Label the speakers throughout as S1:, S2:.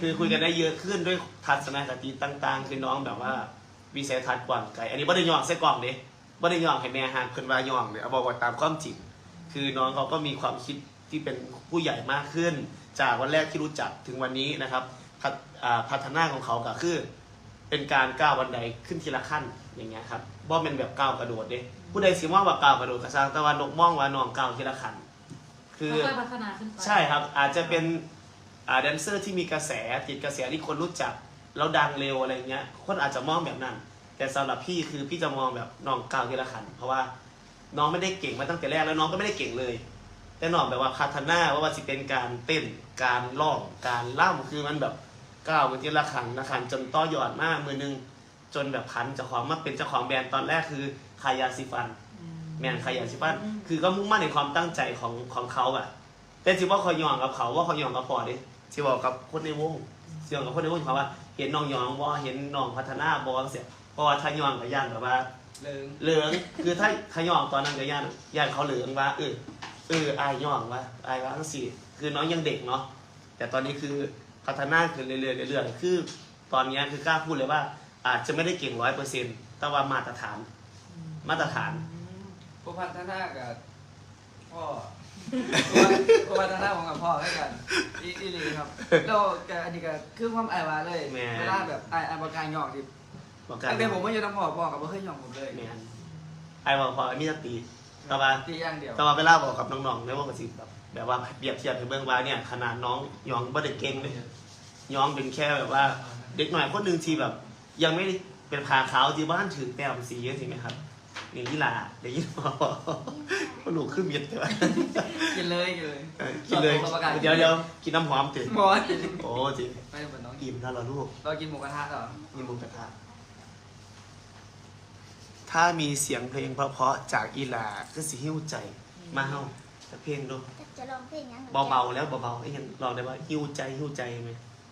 S1: คือคุยกันได้เยอะขึ้นด้วยทัศนคติต่างๆคือน้องแบบว่าวิสัยทัศน์กว้างไกลอันนี้บ่ได้ย่องใส่กล่องเด้บ่ได้ย่องให้แม่ห่างเพิ่นว่าย่องเนี่ยเอาบอกว่าตามความจริงคือน้องเขาก็มีความคิดที่เป็นผู้ใหญ่มากขึ้น จากวันแรกที่รู้จักถึงวันนี้นะครับพัฒนาของเขาก็คือเป็นการก้าวบันไดขึ้นทีละขั้นอย่างเงี้ยครับบ่เป็นแบบก้าวกระโดดเด้ผู้ใดสิมองว่าก้าวกระโดดก็สร้างแต่ว่านกมองว่าน้องก้าวทีละขั้นคือ
S2: พัฒนาขึ้นไป
S1: ใช่ครับอาจจะเป็นแดนเซอร์ที่มีกระแสติดกระแสที่คนรู้จักแล้วดังเร็วอะไรเงี้ยคนอาจจะมองแบบนั้นแต่สำหรับพี่คือพี่จะมองแบบน้องก้าวทีละขั้นเพราะว่าน้องไม่ได้เก่งมาตั้งแต่แรกแล้วน้องก็ไม่ได้เก่งเลยแต่น้องแบบว่าพัฒนาว่าจะเป็นการเต้นการร้องการล่ำคือมันแบบก้าวไปทีละขั้นนะขั้นจนต่อยอดมากมือนึงจนแบบพันเจ้าของมาเป็นเจ้าของแบรนด์ตอนแรกคือคายาซิฟันแมนคายาซิฟันคือก็มุ่งมั่นในความตั้งใจของเขาอะแต่สิว่าเขายองกับเขาว่าเขายองกับพอดิสิบอกกับคนในวงสิบอกกับคนในวงเขาว่าเห็นน้องยองว่าเห็นน้องพัฒนาบอลเสียเพราะว่าถ้ายองกับย่านแบบว่าเหลืองคือถ้ายองตอนนั้นกับย่านเขาเหลืองว่าอายยองว่าอายว่าทั้งสี่คือน้องยังเด็กเนาะแต่ตอนนี้คือพัฒนาขึ้นเรื่อยๆคือตอนนี้คือกล้าพูดเลยว่าอาจจะไม่ได้เก่ง100%แต่ว่ามาตรฐาน
S3: ผู้พัฒนากับพ่อผู้พัฒนาของกับพ่อให้กันอีหลีครับแล้วอันนี้ก็คือความอายว่าเลยเวลาแบบอายบอกการหยอกดิตั้งแต่ผมไม่อยู่น้ำพ่อกับไม่เคยหยอกผมเลย
S1: อายบอกพอมีสติแต่ว่า
S3: ตีอย่างเดียว
S1: แต่ว่าเวลาบอกกับน้องๆในวงกสิแบบว่าเปรียบเทียบถึงเบื้องว่าเนี่ยขนาดน้องยองไม่ได้เก่งเลยยองเป็นแค่แบบว่าเด็กหน่อยคนหนึ่งที่แบบยังไม่เป็นผาขาวที่บ้านถือแต้มสีใช่ไหมครับอย่างนี้ล่ะอย่างนี้พอก็หนูขึ้นเบียดแต่ว่า
S3: กินเลย
S1: เดี๋ยวกินน้ำหอมตื่นโอ้จริง
S3: ไปเหมือนน้อง
S1: อิ่มนะเราลูก
S3: เรากินหมูกระทะเหรอ
S1: กินหมูกระทะถ้ามีเสียงเพลงเพราะๆจากอีหลาก็สิหิ้วใจมาเฮาจะเพลงดู
S4: จะลองเพลงยัง
S1: เบาๆแล้วเบาๆไอ้ยังลองได้ว่าหิ้วใจไหม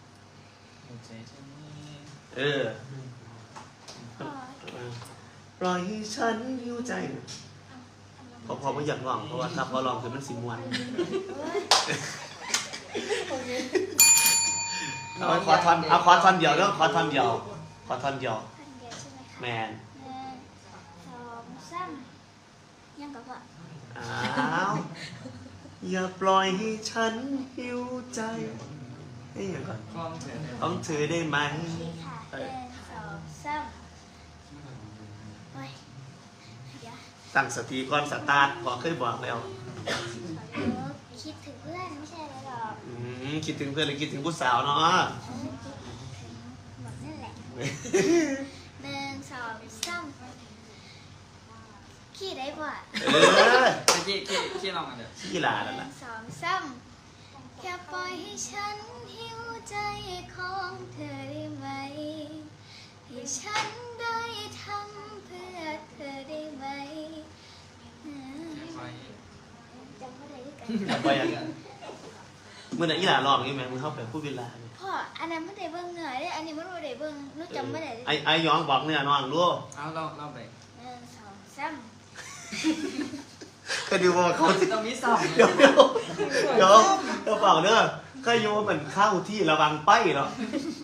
S1: ปล่อยให้ฉันหิ้วใจพอไม่อยากลองเพราะว่าถ้าพอลองคือมันสิมวนขอท่อนเดียวเด้อขอท่อนเดียวแมน
S4: ยังกับว่า
S1: อย่าปล่อยให้ฉันหิวใจนี่อย่างก่อนต้องเธอได้ไหมตั้งสติก่อนสตาร์ทพอเคยบอกแล้ว
S4: คิดถึงเพื่อนไม่ใช่หรอก
S1: คิดถึงเพื่อนหรือคิดถึงผู้สาวเนาะ
S4: หมดนั่นแหละ1 2 3ขี้ได้ป่ะ
S3: ขี้ลองกันเดี๋ยว
S1: ขี้ลาแล้วล่ะ
S4: 1 2 3แค่ปล่อยให้ฉันหิวใจของเธอได้ไหมให้ฉันได้ทำเพื่อเธอได้ไหมจำไม่ได้กัน
S1: จำไปอย่างนั้นเมื่อไหร่อีหลาลองนี่ไหมมึงเข้าไปพูดเวลา
S4: พ่ออันนั้นไม่ได้เบิ่งเนื้อได้อันนี้ไม่รู้ได้เบิ่งนู้จำไม่ได้
S1: ไอ้ย้อนบอกเนื้อน้องรู้
S3: เอาเราไป
S4: 1 2 3
S1: ก็ดูว่าเขา
S3: ต้องมี2
S1: เดี๋ยวเปล่าเด้อก็โยมันเข้าที่ระวังไปเนาะ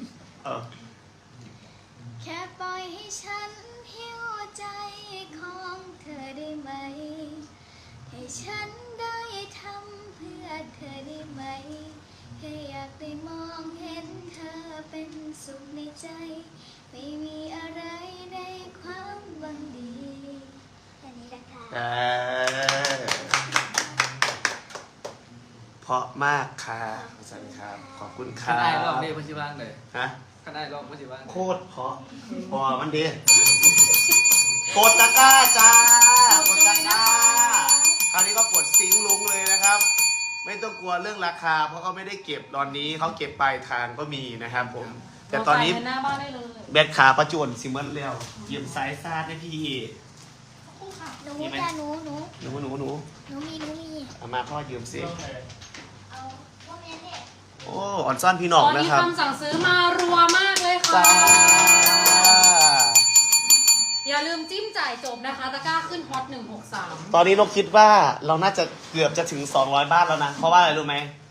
S4: แค่ปล่อยให้ฉันหิวใจของเธอได้ไหมให้ฉันได้ทำเพื่อเธอได้ไหมแค่อยากได้มองเห็นเธอเป็นสุขในใจไม่มีอะไรในความหวังดีแค่นี้แหละค่ะ
S1: เพราะมากค่ะสวัสดีครับขอบคุณค่ะ
S3: ได้รอบนี้พัชิบ้างเลย
S1: ฮะ
S3: ได้รอบพัชิบ้าง
S1: โคตรเพราะพอมันดีกดตะกร้าจ้ากดตะกร้าคราวนี้ก็กดซิงค์ลุงเลยนะครับไม่ต้องกลัวเรื่องราคาเพราะเขาไม่ได้เก็บตอนนี้เขาเก็บปลายทางก็มีนะครับผมแต่ตอนนี้แบตขาประจวนซิมเมอร์แล้วเยี่ยมสายซาดให้พี่
S4: หนูจ้าหนูมี
S1: เอามาพ่อยืมสิ
S4: เอาพ่อแม่เนี่ย
S1: โอ้อ่อนซ่อนพี่น้องนะครับ
S2: ตอนนี้คำสั่งซื้อมารัวมากเลยค่ะอย่าลืมจิ้มจ่ายจบนะคะตะกร้าขึ้นฮอต163
S1: ตอนนี้นกคิดว่าเราน่าจะเกือบจะถึง200บ้านแล้วนะเพราะว่าอะไรรู้ไหม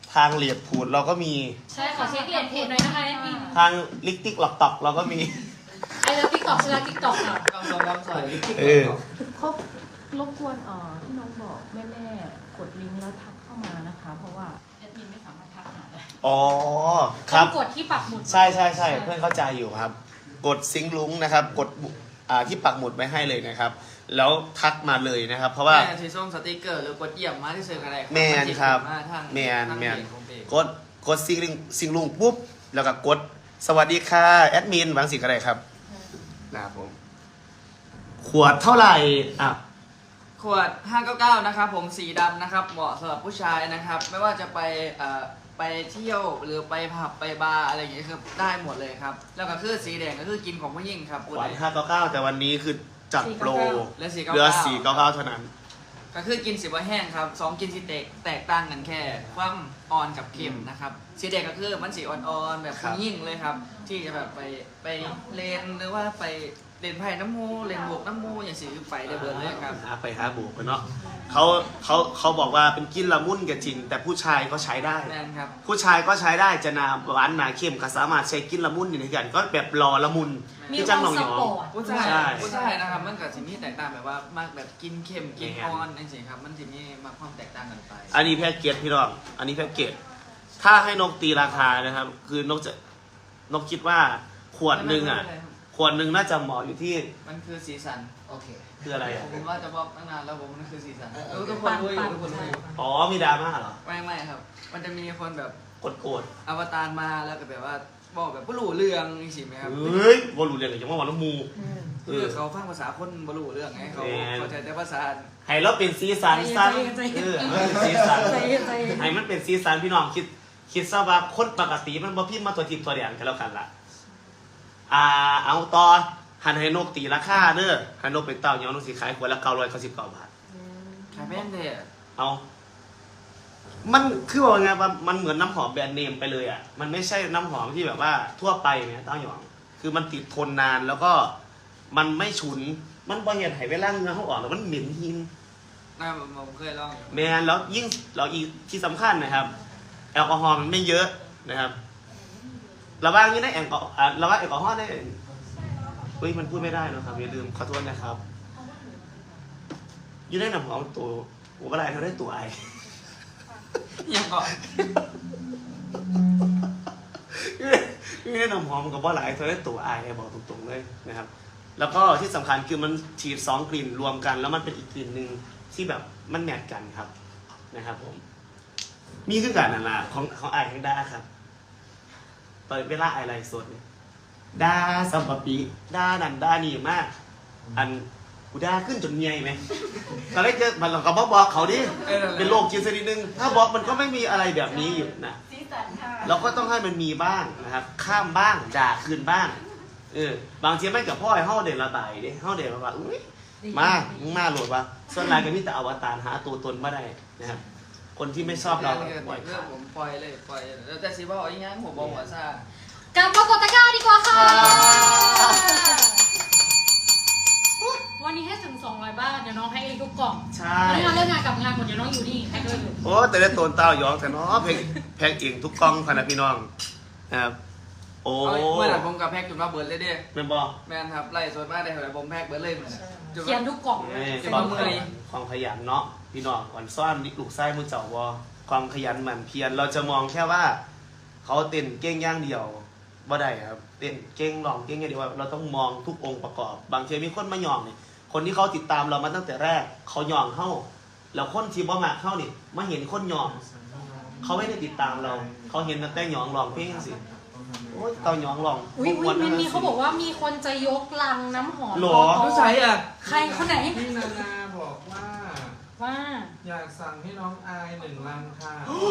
S1: ทางเหลียดผูดเราก็มี
S2: ใช่ขอเช็คเหรียญเพจหน่อยนะคะแอดมิน
S1: ทางลิกติ๊กหลอกตอกเราก็มี
S2: ไอ้เลิฟติ๊กต็อกชื่อติ๊กต็อกค่ะ
S3: กำลังใส่
S1: เออ
S5: เขารบกวนที่น้องบอกแม่ๆกดลิงก์แล้วทักเข้ามานะคะ เพราะว่าแอดมินไม่สามารถทักหาได้
S1: อ๋อค
S2: ต้
S1: รั
S2: อบ งกดที่ปักหมุด
S1: ใช่เพื่อนเข้าใจอยู่ครับ กดซิงค์ลุงนะครับ กดที่ปักหมุดไว้ให้เลยนะครับ แล้วทักมาเลยนะครับ เพราะว่า
S3: แม่ที่ส่งสติกเกอร์หรือกดเยี่ยมมาที่เซอร์กันได้
S1: แมนครับ แมน กดซิงลุงปุ๊บแล้วก็กดสวัสดีค่ะแอดมินวางสิกอะไรครับนะครับผมขวดเท่าไหร่อ่ะ
S3: ขวด 599 นะครับผมสีดำนะครับเหมาะสำหรับผู้ชายนะครับ ไม่ว่าจะไปเที่ยวหรือไปผับไปบาร์อะไรอย่างเงี้ยคือได้หมดเลยครับ แล้วก็คือสีแดงก็คือกินของผู้หญิงครับ
S1: ขวด599แต่วันนี้คือจัดโปร
S3: และ
S1: เหลือ499เท่านั้น
S3: ก็คือกินสีว่าแห้งครับ2กินสีแตกต่างกันแค่ความอ่อนกับเค็มนะครับสีแดงก็คือมันสีอ่อนๆแบบผู้หญิงเลยครับ ที่จะแบบไปเลนหรือว่าไปเล่นไพ่น้ำมูเล่นบวกน้ำมูอย่างสีไปได้เบิร์เลยครับ
S1: หาบุกไปเนาะเขาบอกว่าเป็นกินละมุนกับจริง แต่ผู้ชายก็ใช้ได้
S3: แน่นครับ
S1: ผู้ชายก็ใช้ได้จะนาหวานหนาเค็มก็สามารถใช้กินละมุนอยู่ในกันก็แบบรอละมุน
S2: มี
S1: ที่
S2: ค
S1: จั
S2: วาง ม
S1: หนอง
S2: ส
S1: หยอ
S2: ป
S1: ง
S2: อร์ต
S3: ผู้ชาย
S1: ใช่
S3: ผู้ชายนะครับมันกับสิ่งที่แตกต่างแบบว่ามากแบบกินเค็มกินอ่อนนั่นสิครับมันสิ่งที่มาความแตกต่างกันไป
S1: อันนี้แพ็กเกจพี่น้องอันนี้แพ็กเกจถ้าให้นกตีราคานะครับ คือนกคิดว่าขวดหนึ่งอ่ะ ขวดหนึ่งน่าจะเหมาะอยู่ที่
S3: มันคือสีสัน
S6: โอเค
S1: คืออะไรอ่ะ
S3: ผมว่าจะบอกตั้งนานแล้วผมมันคือสีสันทุกคนรู้อยู่ทุกคนรู้อยู่
S1: อ๋อมีดราม่าเหรอ
S3: ไม่ครับ มันจะมีคนแบบ
S1: โกรธ
S3: อวตารมาแล้วก็แบบว่าบอกแบบบรู้เรื่องนี่สิไหมครับ
S1: เฮ้ยบอลลูเรียนกับยังว่าวันละมู
S3: คือเขาฟังภาษาคนบรู้เรื่องไงเขาเข้าใจแต่ภาษา
S1: ให้เราเป็นสีสันสั้น
S2: ใจเย็น
S1: เป็นสีสัน
S2: ใจเย็นใจเย็น
S1: ให้มันเป็นสีสันพี่น้องคิดซะว่าคนปกติมันบ่พิมพ์มาตัวทิพย์ตัวแดงกันแล้วกันล่ะเอาต่อหันให้นกตีราคาเด้อให้นกเป็นเต่าเนาะนกสีขายขวดละ999 บาท
S3: ขายแม่นเด้อ
S1: เอามันคือว่าไงว่ามันเหมือนน้ำหอมแบรนด์เนมไปเลยอ่ะมันไม่ใช่น้ำหอมที่แบบว่าทั่วไปเนี่ยเต้าหยองคือมันติดทนนานแล้วก็มันไม่ฉุนมันบ่เห็นให้เวลาเหงื่อเขาออกแล้วมันเหม็นหิน
S3: ผมเคยลองอยู่
S1: แมนแล้วยิ่งเราอีกที่สำคัญนะครับ แอลกอฮอล์มันไม่เยอะนะครับระว่างนี้ได้แอลกอฮอล์ระว่างแอลกอฮอล์ได้เฮ้ยมันพูดไม่ได้นะครับอย่าลืมขอโทษนะครับอยู่ได้หนังหอมตัวหัวกระไรเขาได้ตัวไอ
S3: ยังก่อน
S1: อยู่ได้หนังหอมกับว่าหลายเขาได้ตัวไอบอกตรงๆเลยนะครับ แล้วก็ที่สำคัญคือมันฉีด2 กลิ่นรวมกัน แล้วมันเป็นอีกกลิ่นหนึ่งที่แบบมันแมทกันครับนะครับผมมีคือการนั่นล่ะของไอทั้งด้าครับเปิดเวลาไอไลฟ์สดเนี่ยด้าสัมปปีด้านั่นด้านี่มาก อันกูด้าขึ้นจนเมียไหมตอนแรกเจอมันเราก็บอกเขาดิเป็นโรคจิตสักนิดนึงถ้าบอกมันก็ไม่มีอะไรแบบนี้อยู่นะเราก็ต้องให้มันมีบ้างนะครับ ข้ามบ้างด่าคืนบ้างบางทีไม่กับพ่อให้เฮาเด่นระบายดิเฮาเด่นระบายอุ้ยมึงมาโหลดวะส่วนรายก็มีแต่อวตารหาตัวตนไม่ได้นะครับคนที่ไม่ชอบเราปล่อย
S3: เรื่อง
S1: ขาด
S3: ผมปล่อยเลยปล่อยแล้วแต่สิว่าเอาอย่างงั้นผมบอกว่าซ่าก
S2: ลับมากดตะกร้าดีกว่าค่ะ วันนี้ให้ถึง200 บาทเดี๋ยวน้องให้เองทุกกล่อง
S1: ใช่
S2: แล้วงานเลิกงานกลับงานหมดเดี๋ยวน้องอยู่นี่ให้ด้วยอยู่
S1: โอ้แต่ได้โตนเต้ายองแต่เนาะแพงเองทุกกล้องพะนะพี่น้องนะครับโอ้
S3: เมื่อไหร่ผมกับแพ็กจุดมาเบิร์ดเลยเด้
S1: เป็นบอก
S3: แมนครับไล่สดมากได้เท่าไหร่ผมแพ็กเบิร์ดเลยเหมือน
S2: เขียนทุกกล่อง
S1: ความขยันเนาะพี่น้องอ่อนซ่อนลูกไส้มือเจ้าวอความขยันหมั่นเพียรเราจะมองแค่ว่า เขาเต้นเก่งอย่างเดียวบ่ได้ครับเต้นเก่งร้องเก่งอย่างเดียวเราต้องมองทุกองค์ประกอบบางทีมีคนมาหย่องนี่คนที่เขาติดตามเรามาตั้งแต่แรกเขาหย่องเข้าแล้วคนที่บ่มาเข้านี่มาเห็นคนหย่องเขาไม่ได้ติดตามเราเขาเห็นตั้งแต่หย่องร้องเพลงสิโอ้ยเตาหย่องร้อง
S2: อุ้ยมีเขาบอกว่ามีคนจะยกลังน้ำหอม
S1: หรอ
S3: ผู้ชายอ่ะ
S2: ใครคนไหน
S6: พี่นานาบอกว่า
S2: ว่า
S6: อยากสั่งให้น้องอาย1 ลังค่ะ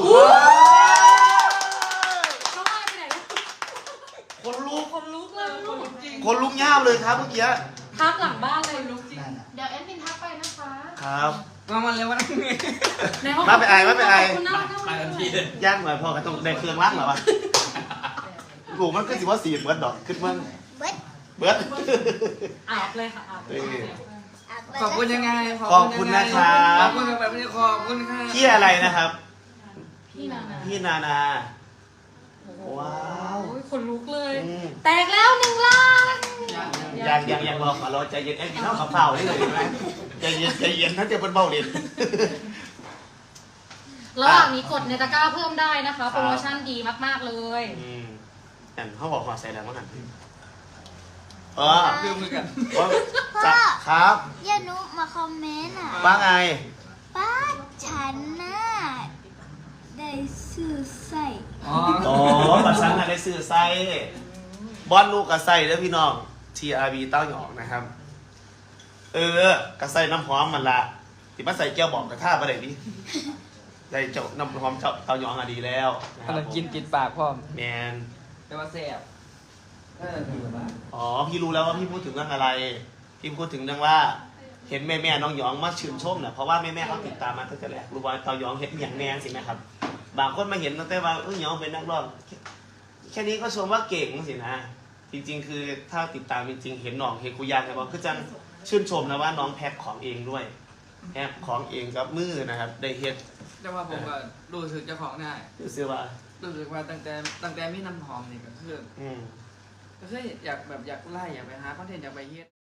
S2: น้องอายไปไหนแล้ว
S1: คนลุก
S2: คนลุกเลยลูก
S1: คนลุกย่ามเลยครับเมื่อกี้
S2: ทักหลังบ้านเลยลุกจริง
S4: เดี๋ยวแอดมินทักไปนะคะ
S1: ครับ
S3: มาเร็ววันนี้
S2: ในห้อง
S1: มาไปอาย
S2: ขอบคุณน่ารัก
S3: ไปทันทีเลย
S1: ย่างหน่อยพอกันต้องได้เครื่องล้างเหรอวะกูมันก็สิว่าสีเบิร์ดดอกขึ้นเมือง
S4: เบิร์ด
S1: เบิร์ด
S2: อาบเลยค่ะอาบ
S3: ขอบคุณยังไง
S1: ขอบคุณนะครับ
S3: ขอบคุณแบบนี้ขอบคุณค่ะ
S1: ที่อะไรนะครับ
S2: พี่นานา
S1: พี่นานา ว้าว
S2: โอ้ยขนลุกเลย
S1: อืม
S2: แตกแล้ว1 ล้าน
S1: ยังรอขอรอใจเย็นแอนกินข้าวขับเผาได้เลยไหมใจเย็นถ้าจะเป็นเบาเด่น
S2: ระหว่างนี้กดในตะกร้าเพิ่มได้นะคะ โปรโมชั่นดีมากๆเลย
S1: แต่เขาบอกขอใส่แล้วมั้งกัน
S3: คือมือกัน
S1: จะครับ
S4: อย่านุมาคอมเมนต์อ่ะ
S1: ว่าไง
S4: ป้าฉันน่ะได้ซื้อใส่
S3: อ๋อ
S1: โอ้บัตรชั้นอะไรสื่อไส้บอลลูกกับไส้แล้วพี่น้อง TRB เต้าหยองนะครับ กับไส้น้ำหอมมันละที่มาใส่แก้วบอกกระท่าประเดี๋ยวนี้ได้เจ้าน้ำหอมเจ้าเต้าหยองอะดีแล้วนะค
S3: กำ
S1: รั
S3: ลั
S1: บ
S3: งกินติดปากพ่อม
S1: แมน
S3: แต่ว่าแซ่บคือแบบว่า
S1: อ๋อพี่รู้แล้วว่าพี่พูดถึงเรื่องอะไร พี่พูดถึงเรื่องว่าเห็นแม่น้องหยองมาชื่นชมเนี่ยเพราะว่าแม่เขาติดตามมาตั้งแต่แรกรู้ว่าเต้าหยองเห็นอย่างแมนสิไหมครับ บางคนมาเห็นตั้งแต่ว่าหยองเป็นนักร้องแค่นี้ก็ชมว่าเก่งสินะ จริงๆ คือถ้าติดตามจริงๆ เห็นน้องเฮกุยานใช่ปะคือจังชื่นชมนะว่าน้องแพ็คของเองด้วยแพ็คของเองกับมือนะครับ ได้เฮ็ด
S3: แต่ว่าผมก็รู้สึกเจ้าของได้
S1: รู้สึกว่า
S3: รู้สึกว่าตั้งแต่มีน้ำหอมนี่ก็คือ
S1: อืม
S3: ก็คืออยากไล่อยากไปหาคอนเทนต์อยากไปเฮ็ด